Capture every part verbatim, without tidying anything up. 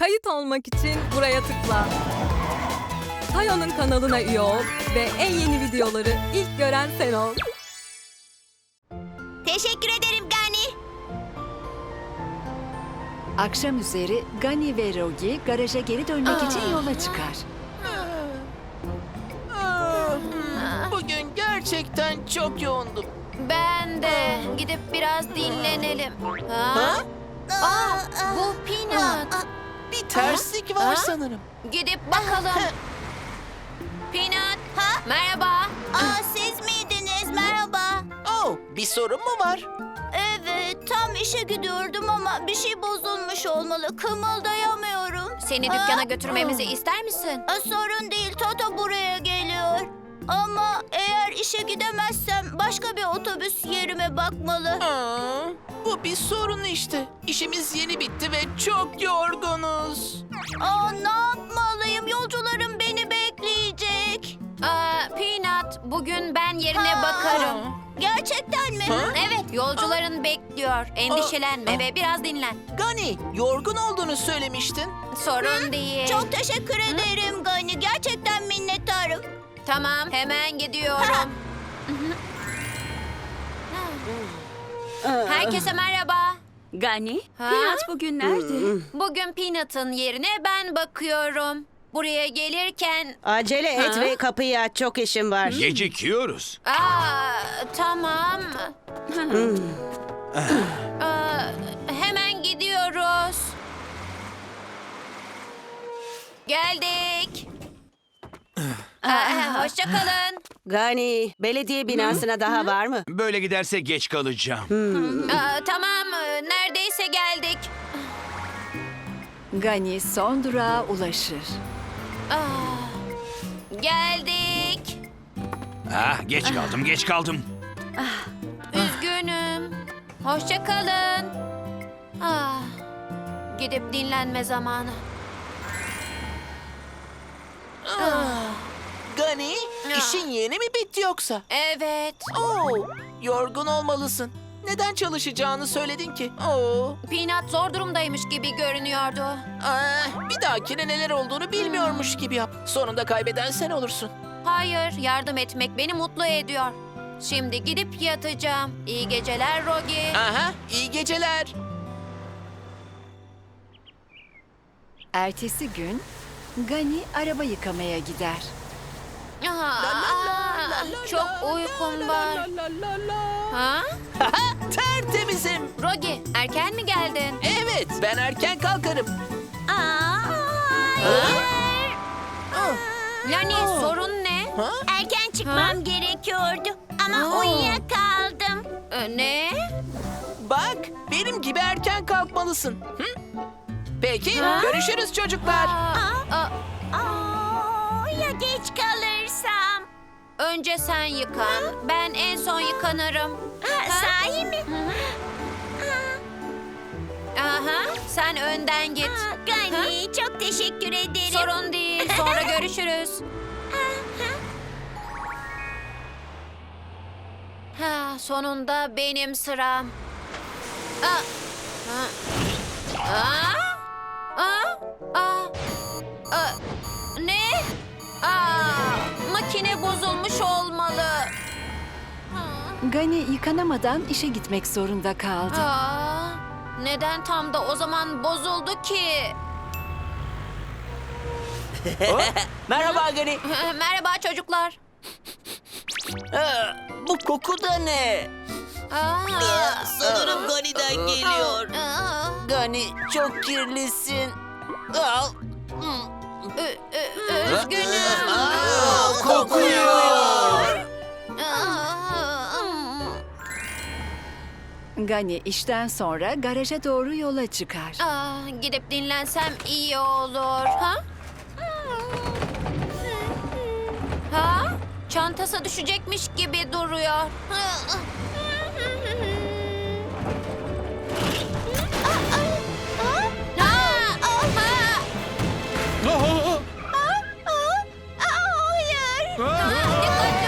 Kayıt olmak için buraya tıkla. Tayo'nun kanalına üye ol ve en yeni videoları ilk gören sen ol. Teşekkür ederim Gani. Akşam üzeri Gani ve Rogi garaja geri dönmek için yola çıkar. Bugün gerçekten çok yoğundum. Ben de. Gidip biraz dinlenelim. Ha? Ha? Aa, bu Peanut. Bir terslik var Ha? sanırım. Gidip bakalım. Peanut. Ha? Merhaba. Aa, siz miydiniz? Merhaba. Oh, bir sorun mu var? Evet, tam işe gidiyordum ama bir şey bozulmuş olmalı. Kımıldayamıyorum. Seni Ha? dükkana götürmemizi ister misin? Aa, sorun değil, Toto buraya geliyor. Ama eğer işe gidemezsem başka bir otobüs yerime bakmalı. Aa, bu bir sorun işte. İşimiz yeni bitti ve çok yorgunuz. Aa, ne yapmalıyım? Yolcularım beni bekleyecek. Aa, Peanut, bugün ben yerine Ha. bakarım. Gerçekten mi? Ha? Evet, yolcuların bekliyor. Endişelenme ve biraz dinlen. Gani, yorgun olduğunu söylemiştin. Sorun değil. Çok teşekkür ederim Gani. Gerçekten minnettarım. Tamam, hemen gidiyorum. Herkese merhaba. Gani, Ha? Peanut bugün nerede? Bugün Peanut'ın yerine ben bakıyorum. Buraya gelirken... Acele et Ha? ve kapıyı aç, çok işim var. Gecikiyoruz. Aa, tamam. Aa, hemen gidiyoruz. Geldik. Aa, hoşça kalın. Gani, belediye binasına daha var mı? Böyle giderse geç kalacağım. Aa, tamam, neredeyse geldik. Gani son durağa ulaşır. Aa, geldik. Ah, geç kaldım, geç kaldım. Üzgünüm. Hoşça kalın. Ah, gidip dinlenme zamanı. Gani, Ya. işin yeni mi bitti yoksa? Evet. Oo, yorgun olmalısın. Neden çalışacağını söyledin ki? Oo, Peanut zor durumdaymış gibi görünüyordu. aa, bir dahakine neler olduğunu bilmiyormuş gibi yap. Sonunda kaybeden sen olursun. Hayır, yardım etmek beni mutlu ediyor. Şimdi gidip yatacağım. İyi geceler Rogi. Aha, iyi geceler. Ertesi gün Gani araba yıkamaya gider. Aa, çok uykum var. Ha? Tertemizim. Rogi, erken mi geldin? Evet, ben erken kalkarım. Aa, Lani, sorun ne? Ha? erken çıkmam gerekiyordu ama Aa. uyuyakaldım. Ee, ne? Bak, benim gibi erken kalkmalısın. Hı? Peki, Ha? görüşürüz çocuklar. Aa, aa, Aa, ya geç kalırsam? önce sen yıkan. Ben en son yıkanırım. Ha, sahi mi? Aha, sen önden git. Aa, Gani, çok teşekkür ederim. Sorun değil. Sonra görüşürüz. Ha, sonunda benim sıram. Aa, ha. Aa, aa, aa, aa, ne? Aa, makine bozulmuş olmalı. Gani yıkanamadan işe gitmek zorunda kaldı. Aa, neden tam da o zaman bozuldu ki? Merhaba Gani. Merhaba çocuklar. Aa, bu koku da ne? Aa, Sanırım Gani'den geliyor. aa, Gani, çok kirlisin. Al. ü- ü- Üzgünüm. Kokuyor. Aa, Gani işten sonra garaja doğru yola çıkar. aa, gidip dinlensem iyi olur. Ha? Ha? Çantası düşecekmiş gibi duruyor. Ha, ha. Hayır. Dikkatli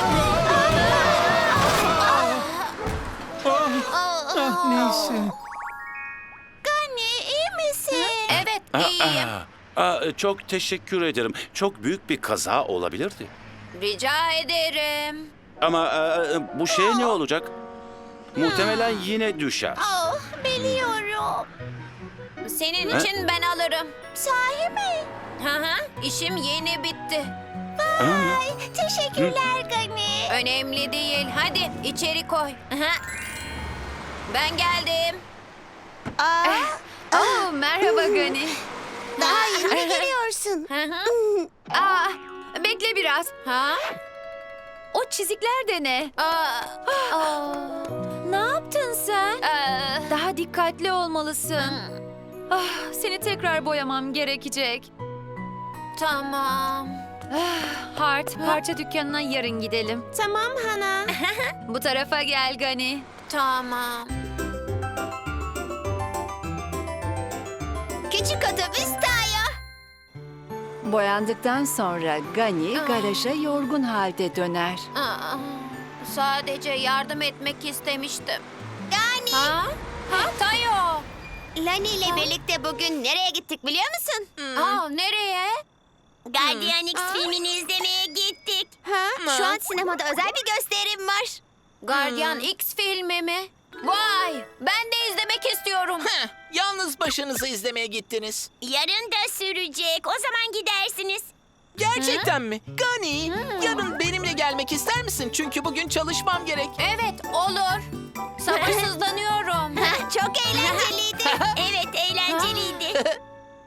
ol. Neyse. Gani, iyi misin? Evet, iyiyim. Aa, aa, çok teşekkür ederim. Çok büyük bir kaza olabilirdi. Rica ederim. Ama e, bu şey ne olacak? Muhtemelen yine düşer. Oh, biliyorum. Senin Ha? için ben alırım. Sahi mi? Hı hı, işim yeni bitti. Ay, teşekkürler Gani. Önemli değil. Hadi içeri koy. Hı hı. Ben geldim. Aa, Oh, merhaba Gani. daha yeni mi geliyorsun? Hı hı. Aa, bekle biraz. Ha? O çizikler de ne? Aa, aa. Ne yaptın sen? Aa, Daha dikkatli olmalısın. Ah, seni tekrar boyamam gerekecek. tamam. Hart, parça dükkanına yarın gidelim. Tamam Hana. Bu tarafa gel Gani. Tamam. Küçük otobüs Tayo. Boyandıktan sonra Gani garaja yorgun halde döner. Aa, sadece yardım etmek istemiştim. Gani. Ha? Ha, Tayo. Lani ile birlikte bugün nereye gittik biliyor musun? Aa, nereye? Guardian X filmini izlemeye gittik. Ha? Şu an sinemada özel bir gösterim var. Guardian X filmi mi? Vay! Ben de izlemek istiyorum. Heh, yalnız başınıza izlemeye gittiniz. Yarın da sürecek. O zaman gidersiniz. Gerçekten mi? Gani, yarın benimle gelmek ister misin? Çünkü bugün çalışmam gerek. Evet, olur. Sabırsızlanıyorum. Çok eğlenceliydi. Evet, eğlenceliydi.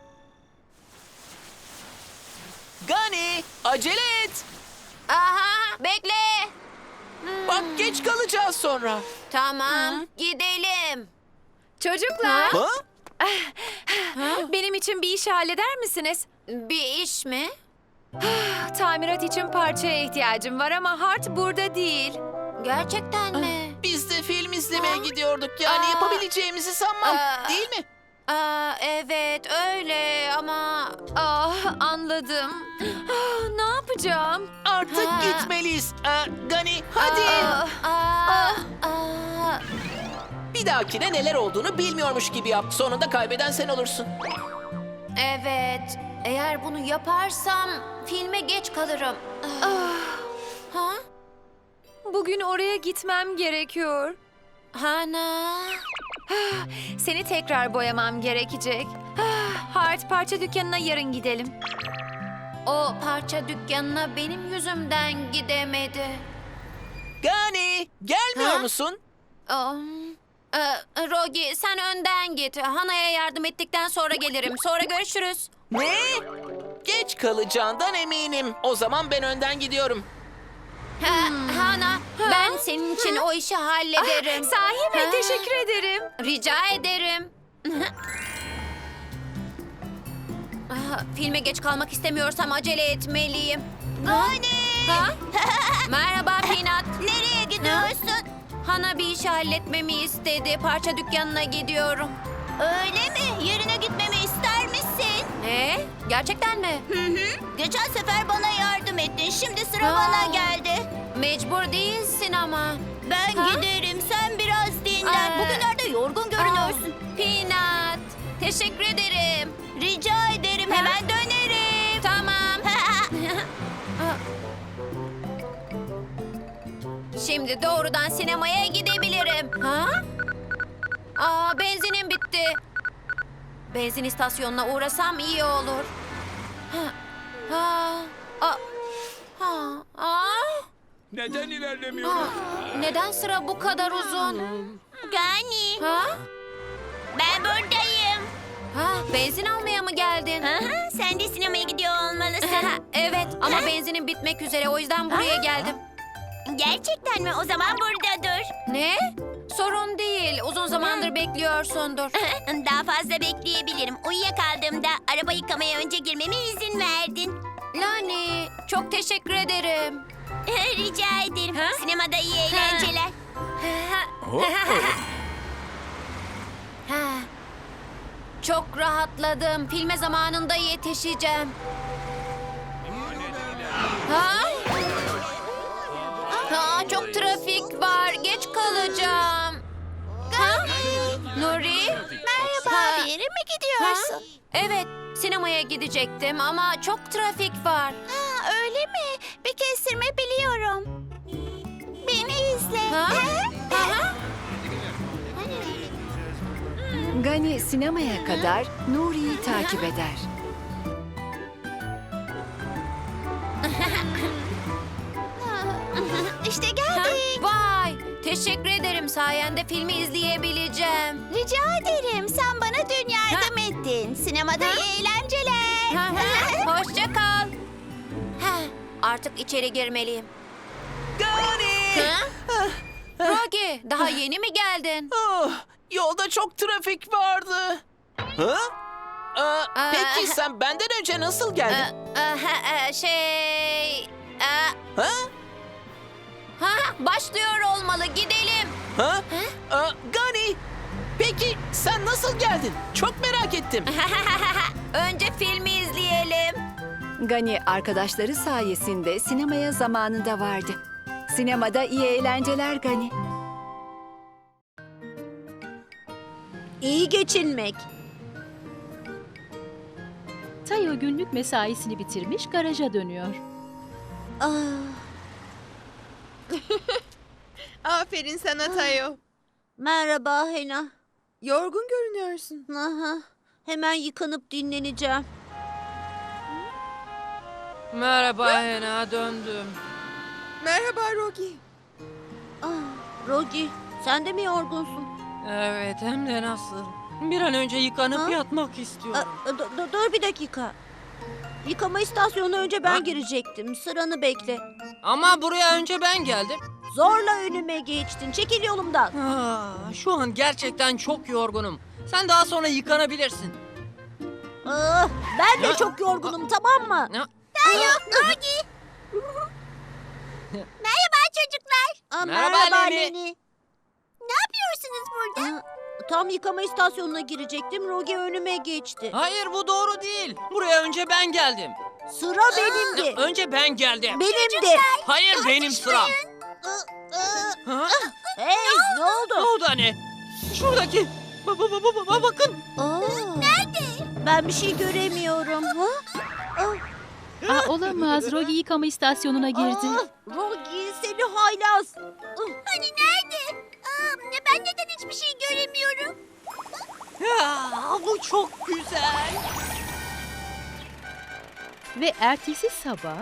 Gani, acele et. Aha, bekle. Bak geç kalacağız sonra. Tamam, gidelim. Çocuklar, Ha? benim için bir iş halleder misiniz? Bir iş mi? Tamirat için parçaya ihtiyacım var ama Hart burada değil. Gerçekten mi? Biz de film izlemeye gidiyorduk. Yani Aa. yapabileceğimizi sanmam. Aa. Değil mi? Aa, evet, öyle ama... Ah, anladım. Ah, ne yapacağım? Artık Ha. gitmeliyiz. Aa, Gani, hadi. Ah, Aa, aa, Bir dahakine neler olduğunu bilmiyormuş gibi yap. Sonunda kaybeden sen olursun. evet, eğer bunu yaparsam filme geç kalırım. Ha? bugün oraya gitmem gerekiyor. Hana? Seni tekrar boyamam gerekecek. Ah, Hart, parça dükkanına yarın gidelim. O parça dükkanına benim yüzümden gidemedi. Gani, gelmiyor Ha? musun? Um, e, Rogi, sen önden git. Hana'ya yardım ettikten sonra gelirim. Sonra görüşürüz. Ne? Geç kalacağından eminim. O zaman ben önden gidiyorum. Ha, Hana, ben senin için o işi hallederim. Sahi mi? Ha. Teşekkür ederim. Rica ederim. Ah, Filme geç kalmak istemiyorsam acele etmeliyim. Gani. Ha? Merhaba Peanut. Nereye gidiyorsun? Hana bir işi halletmemi istedi. Parça dükkanına gidiyorum. Öyle mi? Yerine gitmemi ister misin? Ne? Gerçekten mi? Hı hı. Geçen sefer bana yardım ettin. Şimdi sıra Aa. bana geldi. Mecbur değilsin ama. Ben Ha? giderim. Sen biraz dinlen. Aa. Bugünlerde yorgun görünüyorsun. Aa, Peanut. Teşekkür ederim. Rica ederim. Hemen dönerim. Tamam. Şimdi doğrudan sinemaya gidebilirim. Ha? Aa, benzinim bitti. Benzin istasyonuna uğrasam iyi olur. Ha. Ha. Aa. Ha. Aa. Neden ilerlemiyoruz? Aa. Neden sıra bu kadar uzun? Gani. Ha? Ben buradayım. Ha, benzin almaya mı geldin? Aha, sen de sinemaya gidiyor olmalısın. Evet ama benzinim bitmek üzere o yüzden buraya geldim. Gerçekten mi? O zaman burada dur. Ne? Sorun değil. Uzun zamandır bekliyorsundur. Daha fazla bekleyebilirim. Uyuyakaldığımda araba yıkamaya önce girmeme izin verdin. Lani, çok teşekkür ederim. Rica ederim. Ha? Sinemada iyi eğlenceler. Ha. Çok rahatladım. Filme zamanında yetişeceğim. Ha? Ha, çok trafik var. Geç kalacağım. Ha? Nuri? Merhaba, Ha. bir yere mi gidiyorsun? Evet, Sinemaya gidecektim ama çok trafik var. Ha, öyle mi? Bir kestirme biliyorum. Beni izle. Ha? Aha. Gani sinemaya kadar Nuri'yi takip eder. İşte Ha? geldik. Vay! Teşekkür ederim. Sayende filmi izleyebileceğim. Rica ederim. Sen bana dün yardım ettin. Sinemada iyi eğlenceler. Ha, ha. Hoşça kal. Ha, artık içeri girmeliyim. Gani! Ha? Rogi, daha yeni mi geldin? Oh, yolda çok trafik vardı. Ha? Aa, Aa. peki sen benden önce nasıl geldin? Ee, e, ha, e, şey... e, Ha? ha, başlıyor olmalı. Gidelim. Ha? Aa, Gani! Peki sen nasıl geldin? Çok merak ettim. Önce filmi izleyelim. Gani arkadaşları sayesinde sinemaya zamanında vardı. Sinemada iyi eğlenceler Gani. İyi geçinmek. Tayo günlük mesaisini bitirmiş garaja dönüyor. Ah, Aferin sana Tayo. merhaba Hena. Yorgun görünüyorsun. Aha, hemen yıkanıp dinleneceğim. Merhaba Hena, döndüm. Merhaba Rogi. Ah, Rogi, sen de mi yorgunsun? Evet, hem de nasıl. Bir an önce yıkanıp Ha? yatmak Aa, istiyorum. dur, dur- dur bir dakika. Yıkama istasyonuna önce ben Ha? girecektim. Sıranı bekle. Ama buraya önce ben geldim. Zorla önüme geçtin. Çekil yolumdan. Aa, şu an gerçekten çok yorgunum. Sen daha sonra yıkanabilirsin. Ah, ben de Ya- çok yorgunum, tamam mı? Ya- Rogi. Merhaba çocuklar. Aa, Merhaba merhaba Leni. Leni. Ne yapıyorsunuz burada? Tam yıkama istasyonuna girecektim. Rogi önüme geçti. Hayır, bu doğru değil. Buraya önce ben geldim. Sıra benimdi. Önce ben geldim. Benimdi. Hayır, benim sıram. Ha? Hey, ne oldu? O da ne? Şuradaki. Ba ba ba ba ba bakın. Nerede? Ben bir şey göremiyorum. Ha? Aa, olamaz. Rogi yıkama istasyonuna girdi. Aa, Rogi seni haylaz. Hani nerede? ben neden hiçbir şey göremiyorum? Ya, bu çok güzel. Ve ertesi sabah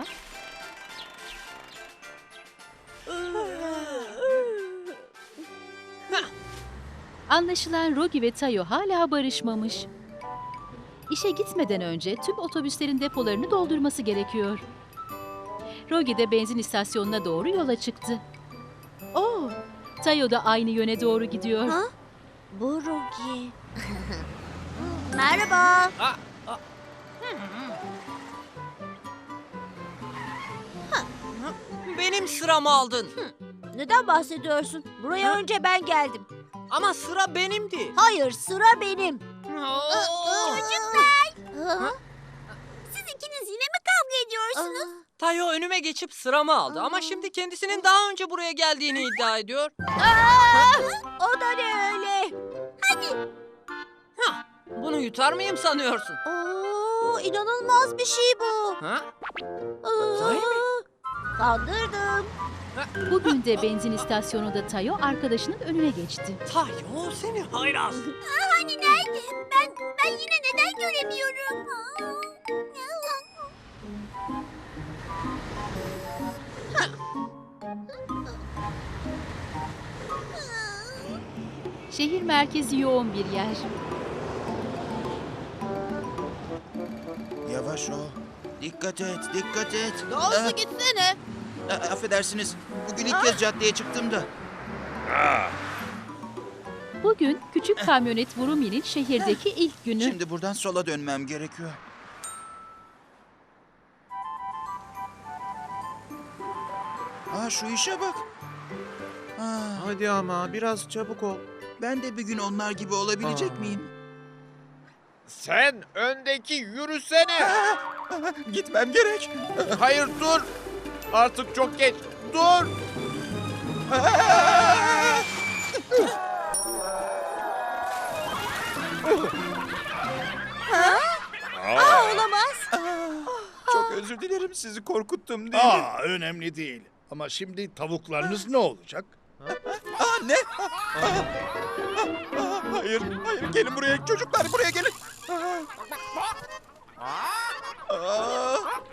anlaşılan Rogi ve Tayo hala barışmamış. İşe gitmeden önce tüm otobüslerin depolarını doldurması gerekiyor. Rogi de benzin istasyonuna doğru yola çıktı. Oo, Tayo da aynı yöne doğru gidiyor. Ha? Bu Rogi. Merhaba. Aa, aa. Benim sıramı aldın. Neden bahsediyorsun? Buraya önce ben geldim. Ama sıra benimdi. Hayır, sıra benim. Oo. Ha? Siz ikiniz yine mi kavga ediyorsunuz? Tayo önüme geçip sıramı aldı ama şimdi kendisinin daha önce buraya geldiğini iddia ediyor. O da ne öyle? Hah, bunu yutar mıyım sanıyorsun? Oo, inanılmaz bir şey bu. Ha? Aa, Sahi mi? Kandırdım. Bugün de benzin istasyonunda Tayo arkadaşının önüne geçti. Tayo seni haylaz. Hani nerede? Ben ben yine neden göremiyorum? Şehir merkezi yoğun bir yer. Yavaş ol. Dikkat et, dikkat et. Daha hızlı gitsene. Ah, ah, affedersiniz. Bugün ilk kez caddeye çıktım da. Bugün küçük kamyonet Vurumi'nin şehirdeki ilk günü. Şimdi buradan sola dönmem gerekiyor. Aa, şu işe bak. Aa, Hadi ama biraz çabuk ol. ben de bir gün onlar gibi olabilecek Aa. miyim? Sen öndeki yürüsene. Ah, gitmem gerek. Hayır dur. Artık çok geç. Dur. Ah! Aa, Olamaz. çok özür dilerim, sizi korkuttum değil mi? Aa, önemli değil. Ama şimdi tavuklarınız ne olacak? Aa, ne? Aa, aa, aa, hayır, hayır, gelin buraya çocuklar, buraya gelin. Aa, aa.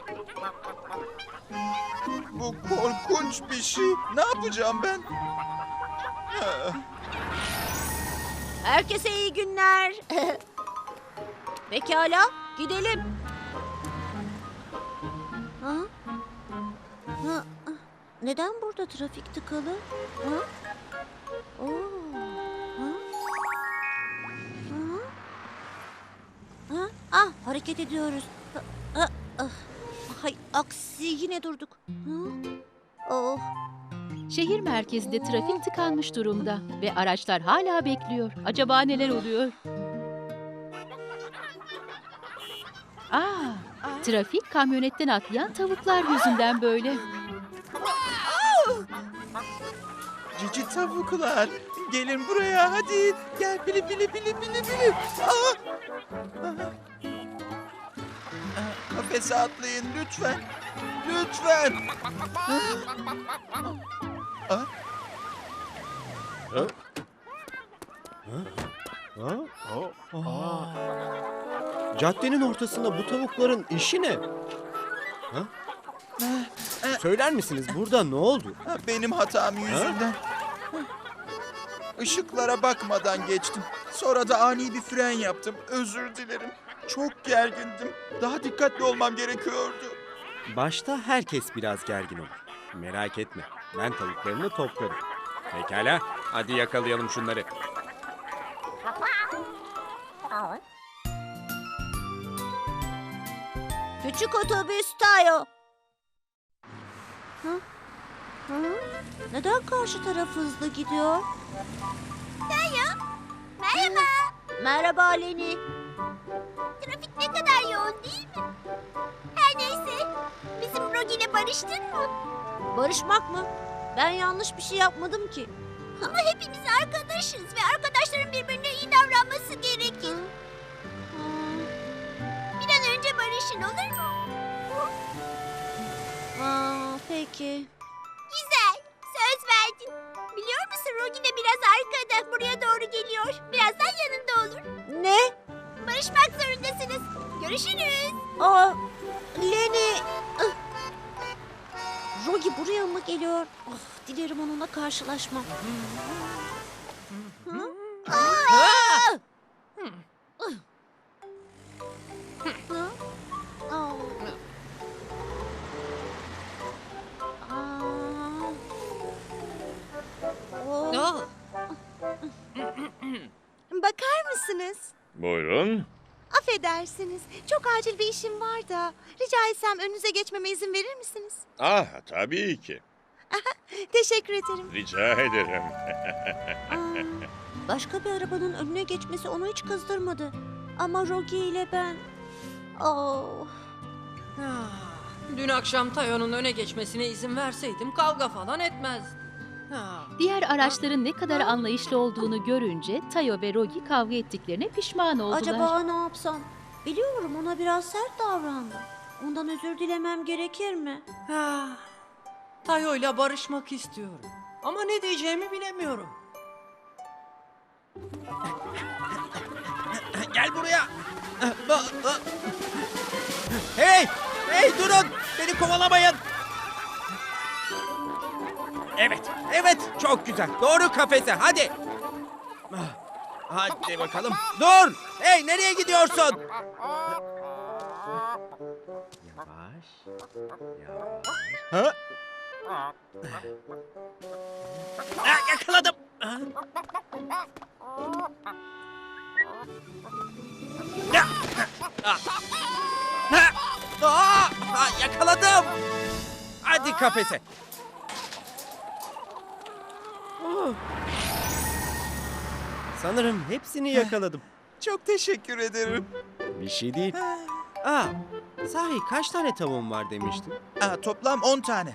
Bu korkunç bir şey. Ne yapacağım ben? Aa. Herkese iyi günler. Pekala, gidelim. Ha? Ha? Neden burada trafik tıkalı? Ha? Oo. Ha? Ha? Ha? Ah, hareket ediyoruz. Ha, ha, ah. Hay, aksi yine durduk. Ha? Oh. Şehir merkezinde trafik tıkanmış durumda ve araçlar hala bekliyor. Acaba neler oluyor? Aa, trafik kamyonetten atlayan tavuklar yüzünden böyle. Cici tavuklar, gelin buraya hadi. Gel bili bili bili bili bili. Aa! Aa! Aa, Kafese atlayın lütfen. Lütfen. Aa! Caddenin ortasında bu tavukların işi ne? Ha? Söyler misiniz burada ne oldu? Ha, benim hatam yüzünden. Işıklara bakmadan geçtim. Sonra da ani bir fren yaptım. Özür dilerim. Çok gergindim. Daha dikkatli olmam gerekiyordu. Başta herkes biraz gergin olur. Merak etme, ben tavuklarını toplarım. Pekala, hadi yakalayalım şunları. Küçük otobüs Tayo. Hı? Hı? Neden karşı taraf hızlı gidiyor? Tayo, merhaba. Merhaba Leni. Trafik ne kadar yoğun değil mi? Her neyse, bizim Rogi ile barıştın mı? Barışmak mı? Ben yanlış bir şey yapmadım ki. Ama hepimiz arkadaşız ve arkadaşların birbirine iyi davranması gerekir. Bir an önce barışın, olur mu? Aa, peki. Güzel, söz verdin. Biliyor musun Rogi de biraz arkada, buraya doğru geliyor. Birazdan yanında olur. Ne? Barışmak zorundasınız. Görüşürüz. Aa, Leni. Rogi buraya mı geliyor? Of, dilerim onunla karşılaşmam. Hı? Aa! Hı? Aa. Aa. Oh. Bakar mısınız? Buyurun. Affedersiniz. Çok acil bir işim var da. Rica etsem önünüze geçmeme izin verir misiniz? Ah, tabii ki. Teşekkür ederim. Rica ederim. Aa, başka bir arabanın önüne geçmesi onu hiç kızdırmadı. Ama Rogi ile ben... Oh. Dün akşam Tayo'nun öne geçmesine izin verseydim kavga falan etmezdi. Diğer araçların ne kadar anlayışlı olduğunu görünce Tayo ve Rogi kavga ettiklerine pişman oldular. Acaba ne yapsam? Biliyorum ona biraz sert davrandım. Ondan özür dilemem gerekir mi? Tayo'yla barışmak istiyorum. Ama ne diyeceğimi bilemiyorum. Gel buraya. Hey! Hey durun! Beni kovalamayın! Evet, evet çok güzel. Doğru kafese hadi. Hadi bakalım. Dur! Hey nereye gidiyorsun? Yavaş. Yavaş. Ha? Ah, yakaladım. Ah. Ah. Ah. Ah. Ah, yakaladım. Hadi kafese. Oh. Sanırım hepsini yakaladım. Çok teşekkür ederim. Bir şey değil. Aa, sahi kaç tane tavuğun var demiştin? Aa, toplam on tane.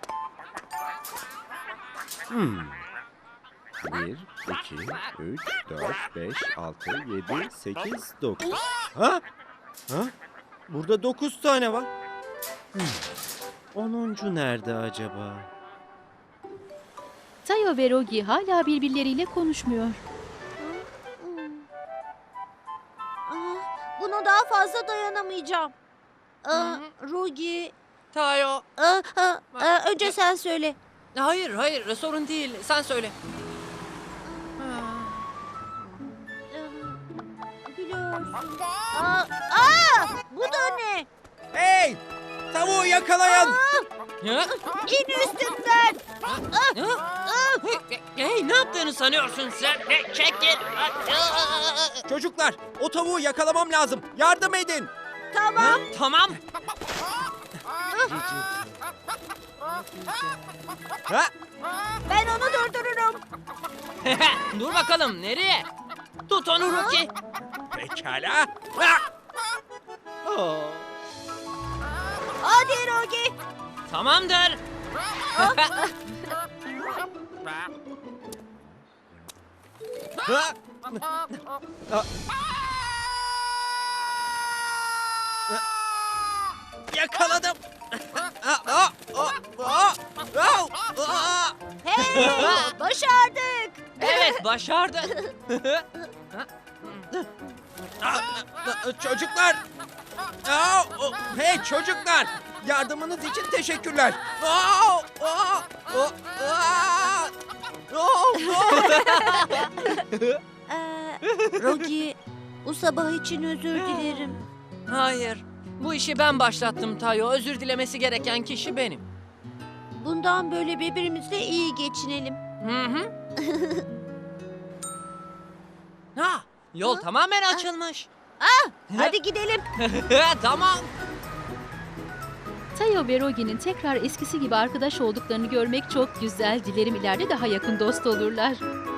Hmm. Bir, iki, üç, dört, beş, altı, yedi, sekiz, dokuz. Ha? Ha? Burada dokuz tane var. Hmm. Onuncu nerede acaba? Tayo ve Rogi hala birbirleriyle konuşmuyor. Ah, buna daha fazla dayanamayacağım. Aa, Rogi, Tayo. aa, aa, aa, önce sen söyle. Hayır hayır sorun değil. Sen söyle. Biliyorsun. Aa, aa, bu da ne? Hey! Tavuğu yakalayan! Ya? İn üstümden. Hey, hey, ne yaptığını sanıyorsun sen? Hey, çekil. Çocuklar, o tavuğu yakalamam lazım. Yardım edin. Tamam. Tamam. Ha? Ben onu durdururum. Dur bakalım nereye? Tut onu Rocky. Pekala. Ha! Aa, Hadi Rogi. Tamamdır. ha! Aa. Yakaladım. Aa, aa, aa, aa, aa, aa. Hey, başardık. Evet başardı. Aa, aa, Çocuklar. Aa, o- hey çocuklar. Yardımınız için teşekkürler. Aa, aa, aa, aa. Oo, oo. Ee, Rogi, bu sabah için özür dilerim. Hayır. Bu işi ben başlattım Tayo. Özür dilemesi gereken kişi benim. Bundan böyle birbirimizle iyi geçinelim. Hı hı. Ha, yol tamamen açılmış. Ah, hadi gidelim. Tamam. Tayo ve Rogi'nin tekrar eskisi gibi arkadaş olduklarını görmek çok güzel. Dilerim ileride daha yakın dost olurlar.